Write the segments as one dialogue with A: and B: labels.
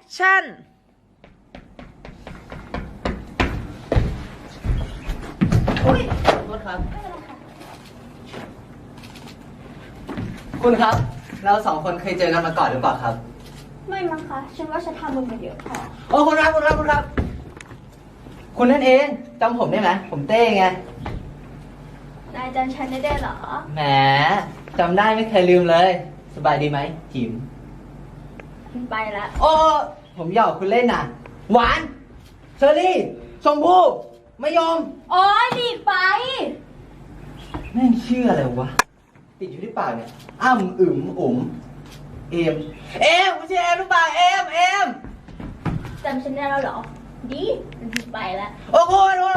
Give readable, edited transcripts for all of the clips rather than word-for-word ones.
A: ชั่น
B: อุ้ยขอโทษครับคุณครับเราสองคนเคยเจอกันมาก่อนหรือเปล่าครับ
C: ไม่มั้งคะฉันว่าฉันทำมึงมาเยอะพอ
B: โอ้คุณครับคุณนั่นเองจำผมได้ไหมผมเต้ไง
C: นายจำฉันได้เหรอ
B: แหมจำได้ไม่เคยลืมเลยสบายดีไหมจิ๋ม
C: ไปละ
B: โอ้ผมหยอกคุณเล่นน่ะหวานเชอรี่ชมพู่มะยม
C: โอ้ยดีไป
B: แม่งเชื่ออะไรวะติดอยู่ที่ปากเนี่ยอ้ำอึ๋มอุ๋มเอมคุณชื่อเอมหรือเปล่าเอม
C: จำฉันได้แล้วเหรอดีไปละ
B: โอ้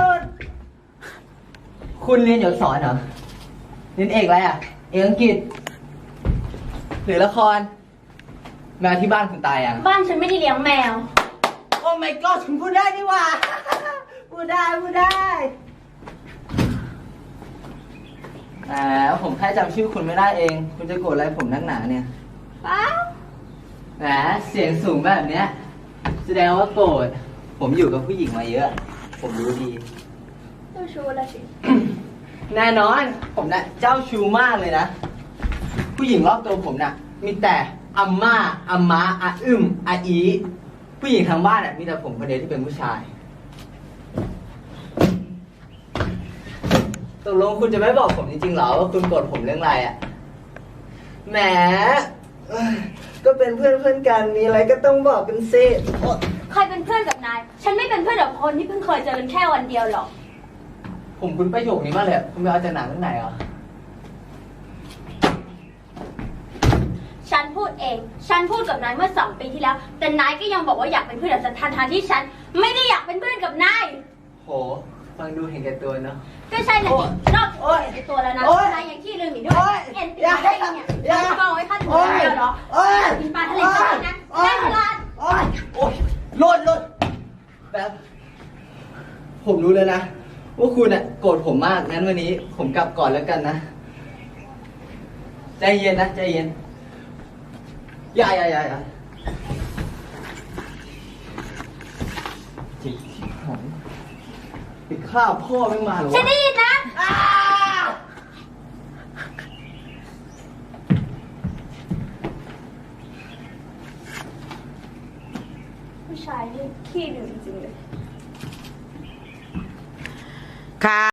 B: คุณเรียนหยดสอนเหรอเรียนเอกอะไรอ่ะเอกอังกฤษหรือละครแมวที่บ้านคุณตายยัง
C: บ้านฉันไม่ได้เลี้ยงแมว
B: โอ้ my god คุณพูดได้นี่หว่าพูดได้ผมแค่จำชื่อคุณไม่ได้เองคุณจะโกรธอะไรผมนักหนาเนี่ย
C: ป้า
B: แหมเสียงสูงแบบเนี้ยแสดงว่าโกรธผมอยู่กับผู้หญิงมาเยอะผมรู้ดี
C: เจ้าชู้ละสิ
B: แน่นอนผมน่ะเจ้าชู้มากเลยนะผู้หญิงรอบตัวผมน่ะมีแต่อัมม่าอัมม้าอาอึมอาอีผู้หญิงทางบ้านน่ะมีแต่ผมคนเดียวที่เป็นผู้ชายตกลงคุณจะไม่บอกผมจริงๆเหรอว่าคุณโกรธผมเรื่องอะไรอ่ะแหมก็เป็นเพื่อนกันมีอะไรก็ต้องบอกกันสิ
C: ใครเป็นเพื่อนกับนายฉันไม่เป็นเพื่อนกับคนที่เพิ่งเคยเจอกันแค่วันเดียวหรอก
B: ผมคุ้นประโยคนี้มากเลยคุณไปเอาจากหนังเรื่องไหนเหรอ
C: ฉันพูดเองฉันพูดกับนายเมื่อ2 ปีที่แล้วแต่นายก็ยังบอกว่าอยากเป็นเพื่อนกับฉันทันที่ฉันไม่ได้อยากเป็นเพื่อนกับนาย
B: โหฟังดูเห็นแก่ตัวเนาะ
C: ก็ใช่แหละนอกจากเห็นแก่ตัวแล้วนะนายยังขี้ลืมอีกด้วยเอ็นตีได้เนี่ยกองไว้ขั้นหัวเดียวเหรอกินปลาทะเลใช่ไหมนะได้ตลาด
B: โอ้ยหล่นแบบผมรู้เลยนะว่าคุณอ่ะโกรธผมมากงั้นวันนี้ผมกลับก่อนแล้วกันนะใจเย็นนะใจเย็นอย่าจิตที่ของไปฆ่าพ่อไม่มาหรอ
C: ฉันได้ยินนะผู้ชายนี่ขี้ลืมจริงเลย
A: ค่ะ